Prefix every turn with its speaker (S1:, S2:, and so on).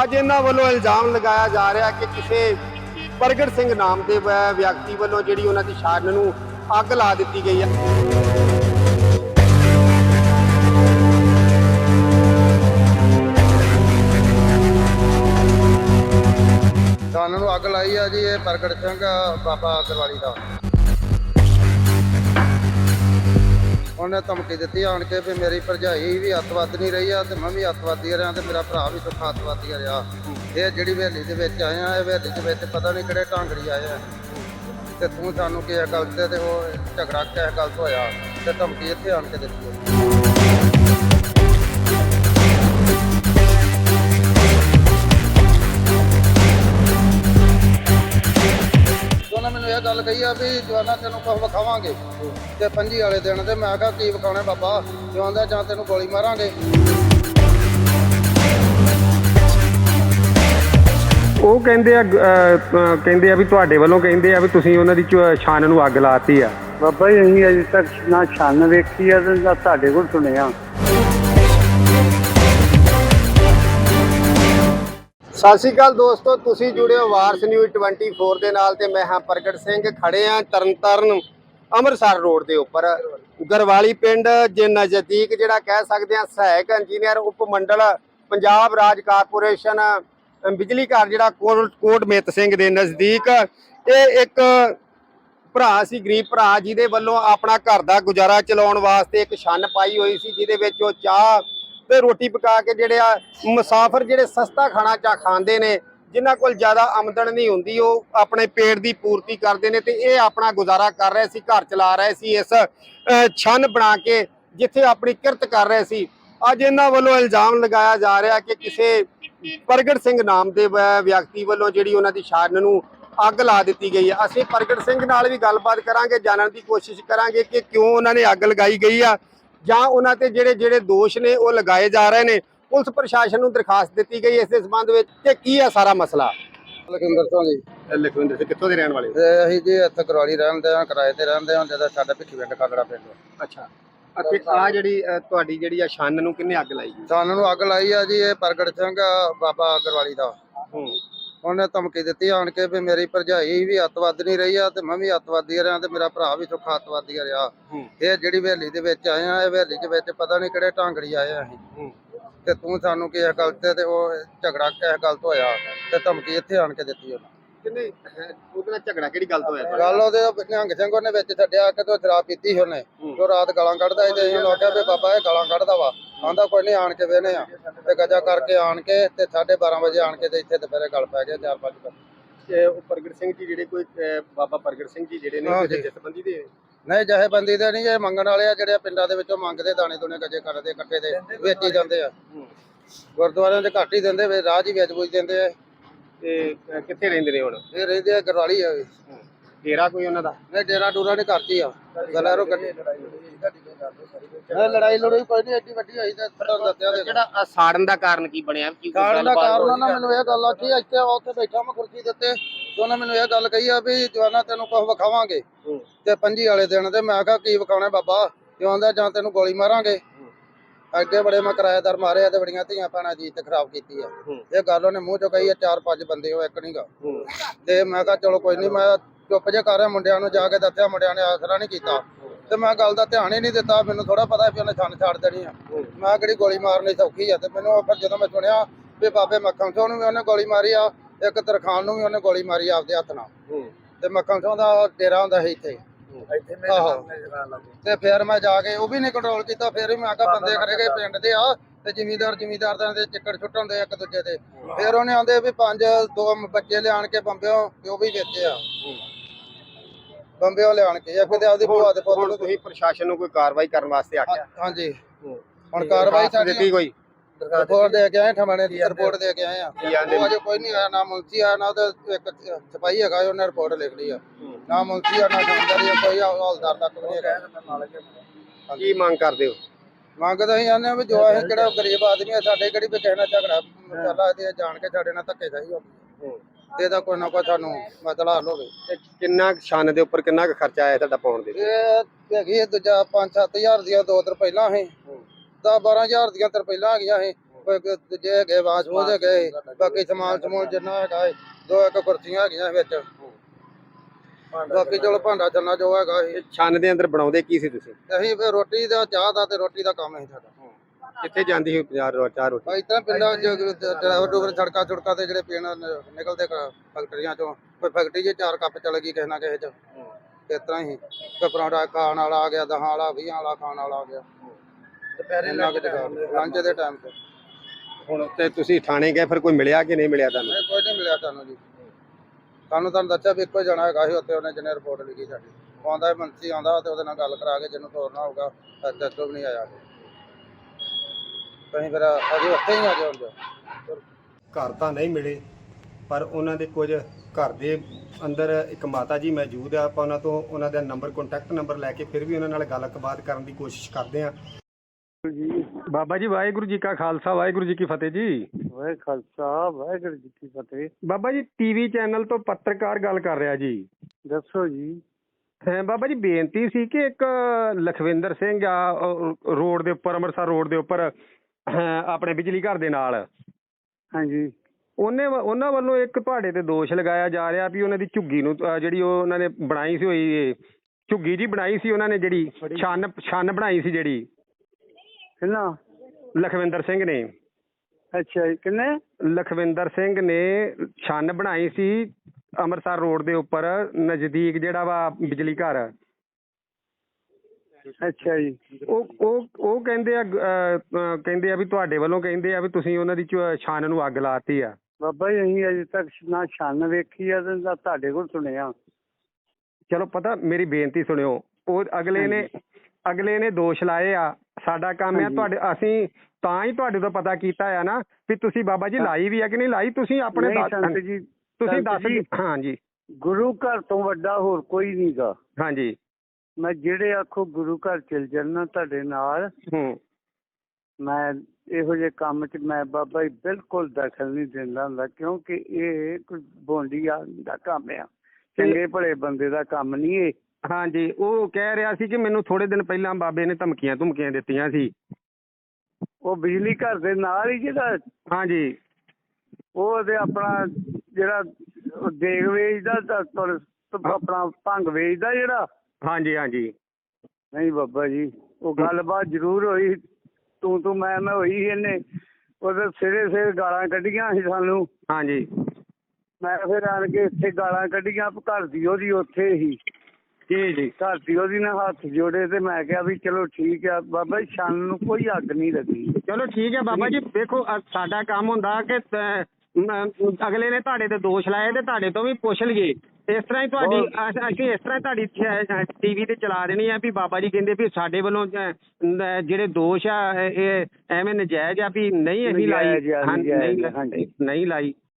S1: ਅੱਜ ਇਹਨਾਂ ਵੱਲੋਂ ਇਲਜ਼ਾਮ ਲਗਾਇਆ ਜਾ ਰਿਹਾ ਕਿ ਕਿਸੇ ਪ੍ਰਗਟ ਸਿੰਘ ਨਾਮ ਦੇ ਵਿਅਕਤੀ ਵੱਲੋਂ ਜਿਹੜੀ ਉਹਨਾਂ ਦੀ ਸ਼ਾਨ ਨੂੰ ਅੱਗ ਲਾ ਦਿੱਤੀ ਗਈ ਹੈ।
S2: ਸ਼ਾਨ ਨੂੰ ਅੱਗ ਲਾਈ ਆ ਜੀ ਇਹ ਪ੍ਰਗਟ ਸਿੰਘ ਬਾਬਾ ਅਗਰਵਾਲੀ ਦਾ। ਉਹਨੇ ਧਮਕੀ ਦਿੱਤੀ ਆਣ ਕੇ ਵੀ ਮੇਰੀ ਭਰਜਾਈ ਵੀ ਅੱਤਵਾਦ ਨਹੀਂ ਰਹੀ ਆ ਤੇ ਮੈਂ ਵੀ ਅੱਤਵਾਦੀ ਰਿਹਾ ਤੇ ਮੇਰਾ ਭਰਾ ਵੀ ਸੁੱਖਾ ਅੱਤਵਾਦੀ ਰਿਹਾ। ਇਹ ਜਿਹੜੀ ਹਵੇਲੀ ਦੇ ਵਿੱਚ ਆਏ ਆ, ਇਹ ਹਵੇਲੀ ਦੇ ਵਿੱਚ ਪਤਾ ਨਹੀਂ ਕਿਹੜੇ ਢਾਂਗੜੀ ਆਏ ਆ ਤੇ ਤੂੰ ਸਾਨੂੰ ਕੀ ਗੱਲ ਤੇ ਉਹ ਝਗੜਾ ਕਿਸ ਗੱਲ ਤੋਂ ਹੋਇਆ ਤੇ ਧਮਕੀ ਇੱਥੇ ਆਣ ਕੇ ਦਿੱਤੀ। ਉਹਨਾਂ ਮੈਨੂੰ ਇਹ ਗੱਲ ਕਹੀ ਆ ਵੀ ਜਵਾਨਾ ਤੈਨੂੰ ਕੁਝ ਵਿਖਾਵਾਂਗੇ ਤੇ 25 ਵਾਲੇ ਦਿਨ ਤੇ ਮੈਂ ਕਿਹਾ ਕੀ ਵਿਖਾਉਣਾ ਬਾਬਾ, ਜੋ ਆਂਦਾ ਜਾਂ ਤੈਨੂੰ ਗੋਲੀ ਮਾਰਾਂਗੇ।
S1: ਉਹ ਕਹਿੰਦੇ ਆ ਵੀ ਤੁਹਾਡੇ ਵੱਲੋਂ ਕਹਿੰਦੇ ਆ ਵੀ ਤੁਸੀਂ ਉਹਨਾਂ ਦੀ ਸ਼ਾਨ ਨੂੰ ਅੱਗ ਲਾਤੀ ਆ।
S3: ਬਾਬਾ ਜੀ ਅਸੀਂ ਅਜੇ ਤੱਕ ਨਾ ਛਾਨ ਵੇਖੀ ਆ ਤੇ ਨਾ ਤੁਹਾਡੇ ਕੋਲ ਸੁਣਿਆ।
S1: ਸਤਿ ਸ਼੍ਰੀ ਅਕਾਲ ਦੋਸਤੋ, ਤੁਸੀਂ ਜੁੜੇ ਹੋ ਵਾਰਸ ਨਿਊਜ਼ 24 ਦੇ ਨਾਲ ਤੇ ਮੈਂ ਹਾਂ ਪ੍ਰਗਟ ਸਿੰਘ। ਖੜੇ ਆ ਤਰਨਤਾਰਨ ਅੰਮ੍ਰਿਤਸਰ ਰੋਡ ਦੇ ਉੱਪਰ ਗਰਵਾਲੀ ਪਿੰਡ ਜੇ ਨਜ਼ਦੀਕ ਜਿਹੜਾ ਕਹਿ ਸਕਦੇ ਆ ਸਹਾਇਕ ਇੰਜੀਨੀਅਰ ਉਪ ਮੰਡਲ ਪੰਜਾਬ ਰਾਜ ਕਾਰਪੋਰੇਸ਼ਨ ਬਿਜਲੀ ਘਰ ਜਿਹੜਾ ਕੋਟ ਮੇਤ ਸਿੰਘ ਦੇ ਨਜ਼ਦੀਕ ਇਹ ਇੱਕ ਭਰਾ ਸੀ, ਗਰੀਬ ਭਰਾ, ਜਿਹਦੇ ਵੱਲੋਂ ਆਪਣਾ ਘਰ ਦਾ ਗੁਜ਼ਾਰਾ ਚਲਾਉਣ ਵਾਸਤੇ ਇੱਕ ਛੰਨ ਪਾਈ ਹੋਈ ਸੀ, ਜਿਹਦੇ ਵਿੱਚ ਉਹ ਚਾਹ ਤੇ ਰੋਟੀ ਪਕਾ ਕੇ ਜਿਹੜੇ ਆ ਮੁਸਾਫਰ ਜਿਹੜੇ ਸਸਤਾ ਖਾਣਾ ਖਾਂਦੇ ਨੇ, ਜਿਨ੍ਹਾਂ ਕੋਲ ਜ਼ਿਆਦਾ ਆਮਦਨ ਨਹੀਂ ਹੁੰਦੀ, ਉਹ ਆਪਣੇ ਪੇਟ ਦੀ ਪੂਰਤੀ ਕਰਦੇ ਨੇ ਤੇ ਇਹ ਆਪਣਾ ਗੁਜ਼ਾਰਾ ਕਰ ਰਹੇ ਸੀ, ਘਰ ਚਲਾ ਰਹੇ ਸੀ ਇਸ ਛੰਨ ਬਣਾ ਕੇ ਜਿੱਥੇ ਆਪਣੀ ਕਿਰਤ ਕਰ ਰਹੇ ਸੀ। ਅੱਜ ਇਹਨਾਂ ਵੱਲੋਂ ਇਲਜ਼ਾਮ ਲਗਾਇਆ ਜਾ ਰਿਹਾ ਕਿ ਕਿਸੇ ਪ੍ਰਗਟ ਸਿੰਘ ਨਾਮ ਦੇ ਵਿਅਕਤੀ ਵੱਲੋਂ ਜਿਹੜੀ ਉਹਨਾਂ ਦੀ ਸ਼ਾਨ ਨੂੰ ਅੱਗ ਲਾ ਦਿੱਤੀ ਗਈ ਹੈ। ਅਸੀਂ ਪ੍ਰਗਟ ਸਿੰਘ ਨਾਲ ਵੀ ਗੱਲਬਾਤ ਕਰਾਂਗੇ, ਜਾਣਨ ਦੀ ਕੋਸ਼ਿਸ਼ ਕਰਾਂਗੇ ਕਿ ਕਿਉਂ ਉਹਨਾਂ ਨੇ ਅੱਗ ਲਗਾਈ ਗਈ ਆ ਜਾਂ ਉਹਨਾਂ ਤੇ ਜਿਹੜੇ ਦੋਸ਼ ਨੇ ਉਹ ਲਗਾਏ ਜਾ ਰਹੇ ਨੇ। ਪੁਲਿਸ ਪ੍ਰਸ਼ਾਸਨ ਨੂੰ ਦਰਖਾਸਤ ਦਿੱਤੀ ਗਈ ਇਸ ਦੇ ਸੰਬੰਧ ਵਿੱਚ ਕਿ ਕੀ ਹੈ ਸਾਰਾ ਮਸਲਾ।
S2: ਲਖਵਿੰਦਰ ਸਿੰਘ ਜੀ।
S1: ਲਖਵਿੰਦਰ ਸਿੰਘ ਕਿੱਥੋਂ ਦੇ ਰਹਿਣ ਵਾਲੇ?
S2: ਅਸੀਂ ਜੀ ਇੱਥੇ ਗਰਵਾਲੀ ਰਹਿੰਦੇ ਆ, ਕਿਰਾਏ ਤੇ ਰਹਿੰਦੇ ਹਾਂ, ਜਦੋਂ ਸਾਡਾ ਭਿੱਖੀ ਪਿੰਡ ਕਾਗੜਾ ਪਿੰਡ।
S1: ਅੱਛਾ, ਅਤੇ ਆ ਜਿਹੜੀ ਤੁਹਾਡੀ ਜਿਹੜੀ ਆ ਛੰਨ ਨੂੰ ਕਿੰਨੇ ਅੱਗ ਲਾਈ?
S2: ਸ਼ਾਨ ਨੂੰ ਅੱਗ ਲਾਈ ਆ ਜੀ ਇਹ ਪ੍ਰਗਟ ਸਿੰਘ ਬਾਬਾ ਅਗਰਵਾਲੀ ਦਾ। ਉਹਨੇ ਧਮਕੀ ਦਿੱਤੀ ਆਣ ਕੇ ਵੀ ਮੇਰੀ ਭਰਜਾਈ ਵੀ ਅੱਤਵਾਦ ਨਹੀਂ ਰਹੀ ਆ ਤੇ ਮੈਂ ਵੀ ਅੱਤਵਾਦੀ ਰਿਹਾ ਤੇ ਮੇਰਾ ਭਰਾ ਵੀ ਸੁੱਖਾ ਅੱਤਵਾਦੀ ਰਿਹਾ। ਇਹ ਜਿਹੜੀ ਹਵੇਲੀ ਦੇ ਵਿੱਚ ਆਏ ਆ, ਇਹ ਹਵੇਲੀ ਦੇ ਵਿੱਚ ਪਤਾ ਨਹੀਂ ਕਿਹੜੇ ਢਾਂਗੜੀ ਆਏ ਆ ਅਸੀਂ ਤੇ ਤੂੰ ਸਾਨੂੰ ਕੀ ਗੱਲ ਤੇ ਉਹ ਝਗੜਾ ਕਿਸ ਗੱਲ ਤੋਂ ਹੋਇਆ ਤੇ ਧਮਕੀ ਇੱਥੇ ਆਣ ਕੇ ਦਿੱਤੀ ਉਹਨੇ।
S1: ਕਿੰਨੇ ਉਹਦੇ ਨਾਲ ਝਗੜਾ ਕਿਹੜੀ ਗੱਲ ਤੋਂ ਹੋਇਆ?
S2: ਗੱਲ ਉਹਦੇ ਨਿਹੰਗ ਸਿੰਘ ਉਹਨੇ ਵਿੱਚ ਛੱਡਿਆ ਕਿ ਤੂੰ ਸ਼ਰਾਬ ਪੀਤੀ ਸੀ ਉਹਨੇ, ਜੋ ਰਾਤ ਗਾਲਾਂ ਕੱਢਦਾ ਸੀ ਤੇ ਅਸੀਂ ਆਖਿਆ ਵੀ ਬਾਬਾ ਇਹ ਗਾਲਾਂ ਕੱਢਦਾ ਵਾ। ਆਂਦਾ ਕੋਈ ਨਹੀਂ, ਆਣ ਕੇ ਵੇਹਨੇ ਆ ਤੇ ਗੱਜਾ ਕਰਕੇ ਆਣ ਕੇ ਤੇ 12:30 ਵਜੇ ਆਣ ਕੇ ਤੇ ਇੱਥੇ ਦੁਪਹਿਰੇ ਗੱਲ ਪੈ ਗਿਆ 4-5 ਵਜੇ।
S1: ਉਹ ਪ੍ਰਗਟ ਸਿੰਘ ਜੀ ਜਿਹੜੇ ਕੋਈ ਬਾਬਾ ਪ੍ਰਗਟ ਸਿੰਘ ਜੀ ਜਿਹੜੇ ਨੇ ਜਥੇਬੰਦੀ ਦੇ?
S2: ਨਹੀਂ, ਜਥੇਬੰਦੀ ਦੇ ਨਹੀਂ, ਇਹ ਮੰਗਣ ਵਾਲੇ ਆ ਜਿਹੜੇ ਪਿੰਡਾਂ ਦੇ ਵਿੱਚੋਂ ਮੰਗਦੇ ਦਾਣੇ ਦੂਣੇ ਗੱਜੇ ਕਰਦੇ ਇਕੱਠੇ ਦੇ ਵੇਚੀ ਜਾਂਦੇ ਆ। ਗੁਰਦੁਆਰਿਆਂ ਦੇ ਘੱਟ ਹੀ ਦਿੰਦੇ ਵੇ, ਰਾਹ ਹੀ ਵੇਚ ਬੂਝ ਦਿੰਦੇ ਆ।
S1: ਤੇ ਕਿੱਥੇ ਰਹਿੰਦੇ ਨੇ ਹੁਣ?
S2: ਇਹ ਰਹਿੰਦੇ ਆ ਗਰਵਾਲੀ ਆ।
S1: ਡੇਰਾ ਕੋਈ ਉਹਨਾਂ ਦਾ?
S2: ਨਹੀਂ, ਡੇਰਾ ਡੂਰਾ ਨਹੀਂ ਕਰਤੀ ਆ। ਗਲੈਰੋ ਗੱਡੀ ਲੜਾਈ ਲੜਾਈ ਕੋਈ ਨਹੀਂ ਐਡੀ ਵੱਡੀ ਹੋਈ ਤੇ ਦੱਸਿਆ ਦੇ।
S1: ਜਿਹੜਾ ਸਾੜਨ ਦਾ ਕਾਰਨ ਕੀ ਬਣਿਆ?
S2: ਸਾੜਨ ਦਾ ਕਾਰਨ ਨਾ ਮੈਨੂੰ ਇਹ ਗੱਲ ਆਖੀ, ਇੱਥੇ ਉੱਥੇ ਬੈਠਾ ਮੈਂ ਕੁਰਸੀ ਦੇ ਉੱਤੇ ਤੇ ਉਹਨੇ ਮੈਨੂੰ ਇਹ ਗੱਲ ਕਹੀ ਆ ਵੀ ਜਵਾਨਾ ਤੈਨੂੰ ਕੁਝ ਵਿਖਾਵਾਂਗੇ ਤੇ 25 ਵਾਲੇ ਦਿਨ ਤੇ ਮੈਂ ਕਿਹਾ ਕੀ ਵਿਖਾਉਣਾ ਬਾਬਾ, ਜੋ ਆਂਦਾ ਜਾਂ ਤੈਨੂੰ ਗੋਲੀ ਮਾਰਾਂਗੇ। ਅੱਗੇ ਬੜੇ ਮੈਂ ਕਿਰਾਏਦਾਰ ਮਾਰੇ ਆ ਤੇ ਬੜੀਆਂ ਧੀਆਂ ਭੈਣਾਂ ਦੀ ਇੱਜ਼ਤ ਖਰਾਬ ਕੀਤੀ ਆ। ਇਹ ਗੱਲ ਉਹਨੇ ਮੂੰਹ ਚੋਂ ਕਹੀ ਆ, 4-5 ਬੰਦੇ ਉਹ ਇੱਕ ਨਹੀਂਗਾ। ਤੇ ਮੈਂ ਕਿਹਾ ਚਲੋ ਕੋਈ ਨਹੀਂ, ਮੈਂ ਚੁੱਪ ਜੇ ਕਰ ਰਿਹਾ, ਮੁੰਡਿਆਂ ਨੂੰ ਜਾ ਕੇ ਦੱਸਿਆ, ਮੁੰਡਿਆਂ ਨੇ ਆਸਰਾ ਨਹੀਂ ਕੀਤਾ ਤੇ ਮੈਂ ਗੱਲ ਦਾ ਧਿਆਨ ਹੀ ਨਹੀਂ ਦਿੱਤਾ। ਮੈਨੂੰ ਥੋੜਾ ਪਤਾ ਵੀ ਉਹਨੇ ਛੰਨ ਛੱਡ ਦੇਣੀ ਆ, ਮੈਂ ਕਿਹੜੀ ਗੋਲੀ ਮਾਰਨੀ ਸੌਖੀ ਆ। ਤੇ ਮੈਨੂੰ ਫਿਰ ਜਦੋਂ ਮੈਂ ਸੁਣਿਆ ਵੀ ਬਾਬੇ ਮੱਖਣ ਸਿੰਘ ਨੂੰ ਵੀ ਉਹਨੇ ਗੋਲੀ ਮਾਰੀ ਆ, ਇੱਕ ਤਰਖਾਨ ਨੂੰ ਵੀ ਉਹਨੇ ਗੋਲੀ ਮਾਰੀ ਆਪਦੇ ਹੱਥ ਨਾਲ, ਤੇ ਮੱਖਣ ਸਿੰਘ ਦਾ ਡੇਰਾ ਹੁੰਦਾ ਸੀ ਇੱਥੇ। ਤੇ ਫਿਰ ਮੈਂ ਜਾ ਕੇ ਉਹ ਵੀ ਨਹੀਂ ਕੰਟਰੋਲ ਕੀਤਾ। ਫਿਰ ਵੀ ਮੈਂ ਕਿਹਾ ਬੰਦੇ ਖੜੇਗੇ ਪਿੰਡ ਦੇ ਆ ਤੇ ਜ਼ਿਮੀਦਾਰ ਦੇ ਚੱਕਰ ਛੁੱਟਣ ਦੇ ਇੱਕ ਦੂਜੇ ਤੇ। ਫਿਰ ਉਹਨੇ ਆਂਦੇ ਵੀ 2 ਬੱਚੇ ਲਿਆਣ ਕੇ ਬੰਬਿਓ ਤੇ ਉਹ ਵੀ ਵੇਚੇ ਆ, ਬੰਬਿਓ ਲਿਆਣ ਕੇ ਇੱਕ ਤੇ ਆਪਦੀ ਭੂਆ ਦੇ ਪੁੱਤ ਨੂੰ।
S1: ਤੁਸੀਂ ਪ੍ਰਸ਼ਾਸਨ ਨੂੰ ਕੋਈ ਕਾਰਵਾਈ ਕਰਨ ਵਾਸਤੇ ਆਖਿਆ?
S2: ਹਾਂਜੀ, ਹੁਣ ਕਾਰਵਾਈ ਸਾਡੀ
S1: ਕੋਈ
S2: ਰਿਪੋਰਟ ਦੇ ਕੇ ਆਏ, ਥਾਣੇ ਦੀ ਰਿਪੋਰਟ ਦੇ ਕੇ ਆਏ ਆ। ਉਹ ਅਜੇ ਕੋਈ ਨਹੀਂ ਆਇਆ, ਨਾ ਮੁਨਸੀ ਆਇਆ ਨਾ ਤੇ ਇੱਕ ਸਿਪਾਹੀ ਹੈਗਾ ਉਹਨੇ ਰਿਪੋਰਟ ਲਿਖ ਲਈ ਆ। ਨਾ ਮੁਨਸੀ ਆ ਨਾ ਥਾਣੇਦਾਰ, ਕੋਈ ਹੌਲਦਾਰ ਤੱਕ ਨਹੀਂ ਹੈਗਾ।
S1: ਕੀ ਮੰਗ ਕਰਦੇ ਹੋ?
S2: ਮੰਗ ਤਾਂ ਅਸੀਂ ਜਾਂਦੇ ਆ ਵੀ ਜੋ ਅਸੀਂ ਕਿਹੜਾ ਗਰੀਬ ਆਦਮੀ ਆ, ਸਾਡੇ ਕਿਹੜੀ ਵੀ ਕਿਸੇ ਨਾਲ ਝਗੜਾ ਮਸਾਲਾ ਤੇ ਜਾਣ ਕੇ ਸਾਡੇ ਨਾਲ ਧੱਕੇ ਸਹੀ ਹੋ ਗਏ ਤੇ ਇਹਦਾ ਕੋਈ ਨਾ ਕੋਈ ਸਾਨੂੰ ਮਸਲਾ ਹੱਲ ਹੋਵੇ।
S1: ਕਿੰਨਾ ਛੰਨ ਦੇ ਉੱਪਰ ਕਿੰਨਾ ਖਰਚਾ ਆਇਆ ਤੁਹਾਡਾ ਪਾਉਣ ਦੇ?
S2: ਇਹ ਹੈਗੀ ਦੂਜਾ 5-7 ਹਜ਼ਾਰ ਦੀਆਂ 2 ਤਰਪਾਈਲਾਂ ਸੀ, 10-12 ਹਜ਼ਾਰ ਦੀਆਂ ਤਰਪਾਈਲਾਂ ਹੈਗੀਆਂ ਸੀ। ਜੇ ਹੈਗੇ ਬਾਥਰੂਮ ਦੇ ਗਏ, ਬਾਕੀ ਸਮਾਨ ਸਮੂਨ ਜਿੰਨਾ ਹੈਗਾ ਏ, 2-1 ਕੁਰਸੀਆਂ ਹੈਗੀਆਂ ਵਿੱਚ, ਬਾਕੀ ਚਲੋ ਭਾਂਡਾ ਚੰਨਾ ਜੋ ਹੈਗਾ ਏ।
S1: ਛੰਨ ਦੇ ਅੰਦਰ ਬਣਾਉਂਦੇ ਕੀ ਸੀ ਤੁਸੀਂ?
S2: ਅਸੀਂ ਫਿਰ ਰੋਟੀ ਦਾ, ਚਾਹ ਦਾ ਤੇ ਰੋਟੀ ਦਾ ਕੰਮ ਹੈ ਸਾਡਾ।
S1: ਕਿੱਥੇ ਜਾਂਦੀ ਸੀ ਚਾਰ ਰੋਟੀ?
S2: ਇਸ ਤਰ੍ਹਾਂ ਪਿੰਡਾਂ ਚ ਡਰਾਈਵਰ ਡੂਵਰ ਸੜਕਾਂ ਛੁੜਕਾਂ ਤੇ ਜਿਹੜੇ ਪੀਣ ਨਿਕਲਦੇ ਫੈਕਟਰੀਆਂ ਚੋਂ, ਕੋਈ ਫੈਕਟਰੀ 'ਚ 4 ਕੱਪ ਚਲ ਗਈ ਕਿਸੇ ਨਾ ਕਿਸੇ 'ਚ, ਇਸ ਤਰ੍ਹਾਂ ਹੀ ਕੋਈ ਪਰੌਂਠਾ ਖਾਣ ਵਾਲਾ ਆ ਗਿਆ, 10 ਵਾਲਾ 20 ਵਾਲਾ ਖਾਣ ਵਾਲਾ ਆ ਗਿਆ, ਦੁਪਹਿਰੇ ਲੰਚ ਦੇ ਟਾਈਮ ਤੇ।
S1: ਹੁਣ ਤੇ ਤੁਸੀਂ ਥਾਣੇ ਗਏ, ਫਿਰ ਕੋਈ ਮਿਲਿਆ ਕਿ ਨਹੀਂ ਮਿਲਿਆ ਤੁਹਾਨੂੰ?
S2: ਕੋਈ ਨਹੀਂ ਮਿਲਿਆ ਤੁਹਾਨੂੰ ਜੀ। ਤੁਹਾਨੂੰ ਦੱਸਿਆ ਵੀ ਇੱਕੋ ਜਣਾ ਹੈਗਾ ਸੀ ਉੱਥੇ, ਉਹਨੇ ਜਿਹਨੇ ਰਿਪੋਰਟ ਲਿਖੀ ਸਾਡੀ। ਆਉਂਦਾ ਮੰਤਰੀ ਆਉਂਦਾ ਤੇ ਉਹਦੇ ਨਾਲ ਗੱਲ ਕਰਾ ਕੇ ਜਿਹਨੂੰ ਤੋਰਨਾ ਹੋਊਗਾ, ਐਸਐਚਓ ਵੀ ਨਹੀਂ ਆਇਆ। ਅਸੀਂ ਫਿਰ ਅਜੇ ਉੱਥੇ ਹੀ ਆ ਗਏ ਹੁਣ।
S1: ਘਰ ਤਾਂ ਨਹੀਂ ਮਿਲੇ, ਪਰ ਉਹਨਾਂ ਦੇ ਕੁਝ ਘਰ ਦੇ ਅੰਦਰ ਇੱਕ ਮਾਤਾ ਜੀ ਮੌਜੂਦ ਆ। ਆਪਾਂ ਉਹਨਾਂ ਤੋਂ ਉਹਨਾਂ ਦਾ ਨੰਬਰ, ਕੰਟੈਕਟ ਨੰਬਰ ਲੈ ਕੇ ਫਿਰ ਵੀ ਉਹਨਾਂ ਨਾਲ ਗੱਲਬਾਤ ਕਰਨ ਦੀ ਕੋਸ਼ਿਸ਼ ਕਰਦੇ ਹਾਂ।
S3: ਜੀ
S4: ਬਾਬਾ ਜੀ ਵਾਹਿਗੁਰੂ ਜੀ ਕਾ ਖਾਲਸਾ ਵਾਹਿਗੁਰੂ ਜੀ ਕੀ ਫਤਿਹ ਜੀ।
S3: ਵਾਹਿ ਖਾਲਸਾ ਵਾਹਿਗੁਰੂ ਜੀ ਕੀ ਫਤਿਹ।
S4: ਬਾਬਾ ਜੀ ਟੀਵੀ ਚੈਨਲ ਤੋਂ ਪੱਤਰਕਾਰ ਗੱਲ ਕਰ ਰਿਹਾ ਜੀ।
S3: ਦੱਸੋ ਜੀ।
S4: ਬਾਬਾ ਜੀ ਬੇਨਤੀ ਸੀ ਕਿ ਇੱਕ ਲਖਵਿੰਦਰ ਸਿੰਘ ਆ ਰੋਡ ਦੇ ਉੱਪਰ, ਅੰਮ੍ਰਿਤਸਰ ਰੋਡ ਦੇ ਉੱਪਰ, ਆਪਣੇ ਬਿਜਲੀ ਘਰ ਦੇ ਨਾਲ,
S3: ਹਾਂਜੀ।
S4: ਉਹਨਾਂ ਵੱਲੋਂ ਇੱਕ ਤੁਹਾਡੇ ਤੇ ਦੋਸ਼ ਲਗਾਇਆ ਜਾ ਰਿਹਾ ਵੀ ਉਹਨਾਂ ਦੀ ਝੁੱਗੀ ਨੂੰ ਜਿਹੜੀ ਉਹ ਉਹਨਾਂ ਨੇ ਬਣਾਈ ਸੀ, ਹੋਈ ਝੁੱਗੀ ਜੀ ਬਣਾਈ ਸੀ ਉਹਨਾਂ ਨੇ, ਜਿਹੜੀ ਛੰਨ ਬਣਾਈ ਸੀ, ਜਿਹੜੀ
S3: ਕਿੰਨਾ?
S4: ਲਖਵਿੰਦਰ ਸਿੰਘ ਨੇ।
S3: ਅੱਛਾ ਜੀ, ਕਿੰਨੇ?
S4: ਲਖਵਿੰਦਰ ਸਿੰਘ ਨੇ ਛੰਨ ਬਣਾਈ ਸੀ ਅੰਮ੍ਰਿਤਸਰ ਰੋਡ ਦੇ ਉੱਪਰ ਨਜ਼ਦੀਕ ਜਿਹੜਾ ਵਾ ਬਿਜਲੀ ਘਰ।
S3: ਅੱਛਾ ਜੀ।
S4: ਉਹ ਕਹਿੰਦੇ ਆ ਵੀ ਤੁਹਾਡੇ ਵੱਲੋਂ ਕਹਿੰਦੇ ਆ ਵੀ ਤੁਸੀਂ ਉਹਨਾਂ ਦੀ ਛੰਨ ਨੂੰ ਅੱਗ ਲਾਤੀ ਆ।
S3: ਬਾਬਾ ਜੀ ਅਸੀਂ ਅਜੇ ਤੱਕ ਨਾ ਛੰਨ ਵੇਖੀ ਆ ਤੇ ਨਾ ਤੁਹਾਡੇ ਕੋਲ ਸੁਣਿਆ।
S4: ਚਲੋ ਪਤਾ, ਮੇਰੀ ਬੇਨਤੀ ਸੁਣਿਓ। ਉਹ ਅਗਲੇ ਨੇ ਦੋਸ਼ ਲਾਏ ਆ। ਸਾਡਾ ਕੰਮ ਆ ਅਸੀਂ ਤਾਂ ਹੀ ਤੁਹਾਡੇ ਤੋਂ ਪਤਾ ਕੀਤਾ ਆ ਨਾ ਵੀ ਤੁਸੀਂ ਬਾਬਾ ਜੀ ਲਾਈ ਵੀ ਆ ਕਿ ਨਹੀਂ ਲਾਈ। ਤੁਸੀਂ ਆਪਣੇ
S3: ਸੰਤ ਜੀ
S4: ਤੁਸੀਂ ਦੱਸ। ਹਾਂਜੀ।
S3: ਗੁਰੂ ਘਰ ਤੋਂ ਵੱਡਾ ਹੋਰ ਕੋਈ ਨਹੀਂ ਗਾ।
S4: ਹਾਂਜੀ।
S3: ਮੈਂ ਜਿਹੜੇ ਆਖੋ ਗੁਰੂ ਘਰ ਚਲ ਜਾਣਾ ਤੁਹਾਡੇ ਨਾਲ, ਮੈਂ ਇਹੋ ਜਿਹੇ ਕੰਮ 'ਚ ਮੈਂ ਬਾਬਾ ਜੀ ਬਿਲਕੁਲ ਦਖਲ ਨਹੀਂ ਦਿੰਦਾ ਹੁੰਦਾ, ਕਿਉਂਕਿ ਇਹ ਕੋਈ ਬੋਂਡੀ ਆਦਮੀ ਦਾ ਕੰਮ ਆ, ਚੰਗੇ ਭਲੇ ਬੰਦੇ ਦਾ ਕੰਮ ਨਹੀਂ ਇਹ।
S4: ਹਾਂਜੀ। ਉਹ ਕਹਿ ਰਿਹਾ ਸੀ ਕਿ ਮੈਨੂੰ ਥੋੜੇ ਦਿਨ ਪਹਿਲਾਂ ਬਾਬੇ ਨੇ ਧਮਕੀਆਂ ਦਿੱਤੀਆਂ ਸੀ।
S3: ਉਹ ਬਿਜਲੀ ਘਰ ਦੇ ਨਾਲ ਹੀ ਜਿਹੜਾ?
S4: ਹਾਂਜੀ।
S3: ਉਹ ਤੇ ਆਪਣਾ ਜਿਹੜਾ ਦੇਗ ਵੇਚਦਾ, ਆਪਣਾ ਭੰਗ ਵੇਚਦਾ ਜਿਹੜਾ।
S4: ਹਾਂਜੀ ਹਾਂਜੀ।
S3: ਨਹੀਂ ਬਾਬਾ ਜੀ, ਉਹ ਗੱਲਬਾਤ ਜ਼ਰੂਰ ਹੋਈ, ਤੂੰ ਮੈਂ ਹੋਈ। ਇਹਨੇ ਉਹਦੇ ਸਿਰੇ ਗਾਲਾਂ ਕੱਢੀਆਂ ਸੀ ਸਾਨੂੰ।
S4: ਹਾਂਜੀ।
S3: ਮੈਂ ਫਿਰ ਆਣ ਕੇ ਇੱਥੇ ਗਾਲਾਂ ਕੱਢੀਆਂ, ਘਰ ਦੀ ਉਹਦੀ ਉੱਥੇ ਹੀ
S4: ਜੀ।
S3: ਘਰ ਦੀ ਉਹਦੀ ਨਾਲ ਹੱਥ ਜੋੜੇ ਤੇ ਮੈਂ ਕਿਹਾ ਵੀ ਚਲੋ ਠੀਕ ਆ ਬਾਬਾ ਜੀ, ਛੰਨ ਨੂੰ ਕੋਈ ਅੱਗ ਨਹੀਂ ਲੱਗੀ।
S4: ਚਲੋ ਠੀਕ ਹੈ ਬਾਬਾ ਜੀ। ਦੇਖੋ ਸਾਡਾ ਕੰਮ ਹੁੰਦਾ ਕਿ ਅਗਲੇ ਨੇ ਤੁਹਾਡੇ ਤੇ ਦੋਸ਼ ਲਾਏ ਤੇ ਤੁਹਾਡੇ ਤੋਂ ਵੀ ਪੁੱਛ ਲਈਏ। ਇਸ ਤਰ੍ਹਾਂ ਹੀ ਤੁਹਾਡੀ ਟੀਵੀ ਤੇ ਚਲਾ ਦੇਣੀ ਆ ਵੀ ਬਾਬਾ ਜੀ ਕਹਿੰਦੇ ਵੀ ਸਾਡੇ ਵੱਲੋਂ ਜਿਹੜੇ ਦੋਸ਼ ਆ ਇਹ ਐਵੇਂ ਨਜਾਇਜ਼ ਆ ਵੀ ਨਹੀਂ ਅਸੀਂ ਲਾਈ, ਨਹੀਂ ਲਾਈ।